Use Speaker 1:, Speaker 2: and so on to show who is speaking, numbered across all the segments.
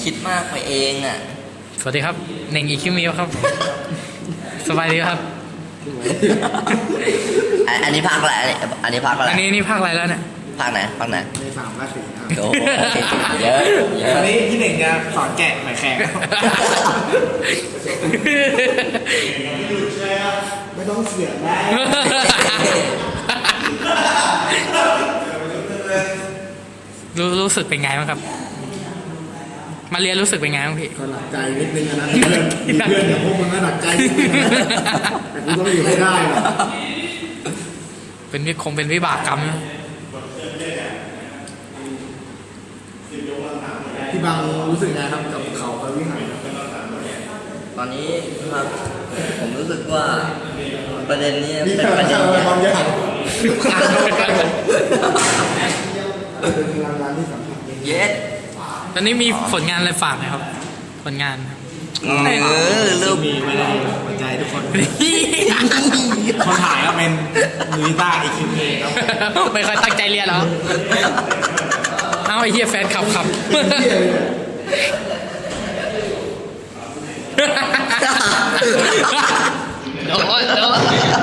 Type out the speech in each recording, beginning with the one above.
Speaker 1: คิดมากไปเองอ่ะ
Speaker 2: สวัสดีครับเน่งอีคิวมิวครับ สบายดีครับ
Speaker 1: อันนี้ภาคอะไรอันนี้ภาคอะไร
Speaker 2: อันนี้ภาคอะไรแล้วเนี่ย
Speaker 1: ภาคไหนภาคไหน
Speaker 3: ใน3 ภาค 4ครับ
Speaker 1: โอ้โหเยอะเยอะ
Speaker 3: วันนี้พี่หนึ่งจะสอนแกะหมายแขกไม่ต้องเสียได้
Speaker 2: รู้สึกเป็นไงบ้างครับ มาเรียนรู้สึกเป็นไงบ้างพี่
Speaker 3: ก็หนักใจนิดนึงนะเพื่อนอย่างพวกมึงก็หนักใจนิดนึงนะแต่กูต้องอยู่ให้ได้หรอ
Speaker 2: เป็นวิบากกรรมนะ
Speaker 3: พี่บังรู้สึกไงครับกับเขาพระวิหารครับ
Speaker 1: ตอนนี้ครับผมรู้สึกว่าประเด็นนี้
Speaker 3: นี่
Speaker 1: เป็น
Speaker 3: แต่
Speaker 1: ประเด็น
Speaker 3: เรา
Speaker 1: ใหญ่
Speaker 3: ความยากเป็นพลังงานที่สัมผัสได้
Speaker 1: เย็ด
Speaker 2: ตอนนี้มีผลงานอะไรฝากไหมครับ ผลงานครับ
Speaker 1: เริ่ม
Speaker 3: มีไว้ในหัวใจทุกคนคนถ่ายก็เป็นมือกีตาร์อีคิวเครับ
Speaker 2: ไม่ค่อยตั้งใจเรียนเหรอ เอาไอ้เหี้ยแฟนขับโดน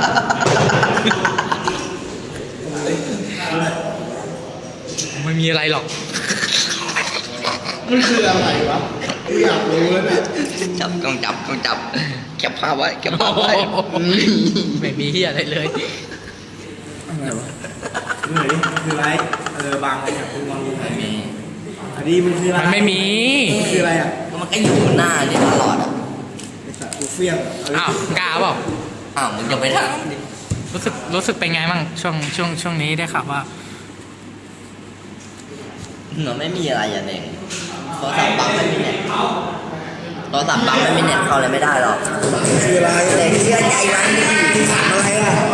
Speaker 2: ไม่มีอะไรหรอก
Speaker 3: มันคืออะไรวะกูอยากรู้แล้วเนี่ย
Speaker 1: ต้องจับเก็บภาพไว้เก็บภาพไว้
Speaker 2: ไม่มีเหี้ยอะไรเลย
Speaker 3: อะไรวะดูหน่อยดิคืออะไรบางเนี่ยคุณลองดูหน่อย
Speaker 1: ไม่มี
Speaker 3: อันนี้มันคืออะไร
Speaker 2: มันไม่มี
Speaker 3: มันคืออะไรอ่ะ
Speaker 1: มันก็อยู่หน้านี่ตลอดอ่ะ
Speaker 3: ไอ้สัตว์กูเฟี้ยง
Speaker 2: อ้าวกล้าเปล่า
Speaker 1: อ้าวมึงจะไปทางดิ
Speaker 2: รู้สึกเป็นไงบ้างช่วงนี้ได้ข่าวว่า
Speaker 1: มันไม่มีอะไรอย่างเองโทรศัพท์บังไม่มีเน็ตโทรศัพท์บังไม่มีเน็ตเข้าเลยไม่ได้หรอก
Speaker 3: คืออะไร
Speaker 1: เด็กเชื่อใจมันดิ
Speaker 3: อะไรอ่ะ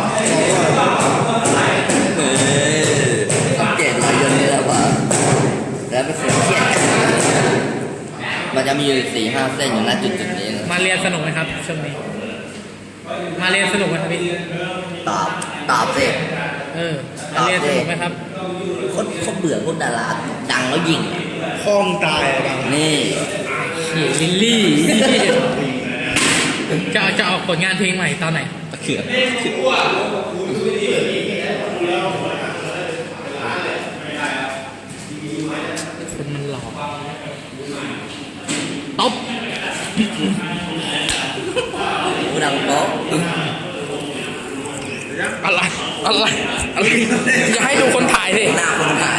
Speaker 1: สังเกตรอยยนต์นี่แหละว่าแล้วเป็นคนเครียดมันจะมีอยู่4-5 เส้นอยู่ณจุดนี้นะ
Speaker 2: มาเรียนสนุกไหมครับช่วงนี้ มาเรียนสนุกไหมครับพี่
Speaker 1: ตอบสิ
Speaker 2: มาเรียนสนุกไหมครับ
Speaker 1: เขาเบื่อพวกดาราดังแล้วยิงอะ
Speaker 3: ห้องตายอะบัง
Speaker 1: นี่
Speaker 2: ลิลลี่จะออกผลงานเพลงใหม่ตอนไหน
Speaker 1: ตะเขือ
Speaker 2: คนมันหลอกตบ
Speaker 1: กูดังโป๊ะ
Speaker 2: อะไรอย่าให้ดูคนถ่ายสิ
Speaker 1: หน้าคนถ่าย